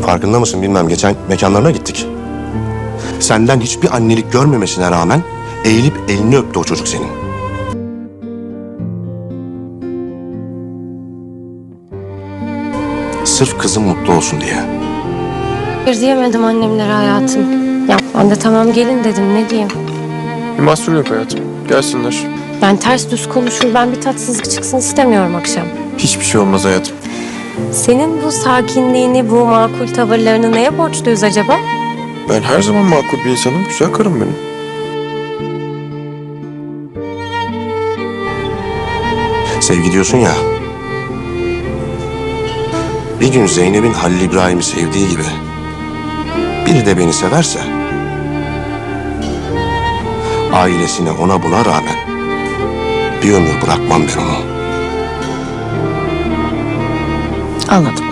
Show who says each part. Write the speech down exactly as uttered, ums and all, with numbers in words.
Speaker 1: Farkında mısın bilmem, geçen mekanlarına gittik. Senden hiçbir annelik görmemesine rağmen eğilip elini öptü o çocuk senin. Sırf kızım mutlu olsun diye.
Speaker 2: Bir diyemedim annemlere hayatım. Ya ben de tamam gelin dedim, ne diyeyim.
Speaker 3: Bir mahsur yok hayatım. Gelsinler.
Speaker 2: Ben ters düz konuşur, ben bir tatsızlık çıksın istemiyorum akşam.
Speaker 3: Hiçbir şey olmaz hayatım.
Speaker 2: Senin bu sakinliğini, bu makul tavırlarını neye borçluyuz acaba?
Speaker 3: Ben her zaman makul bir insanım. Güzel karım benim.
Speaker 1: Sevgi diyorsun ya. Bir gün Zeynep'in Halil İbrahim'i sevdiği gibi biri de beni severse, ailesine ona buna rağmen bir ömür bırakmam ben onu.
Speaker 2: Anladım.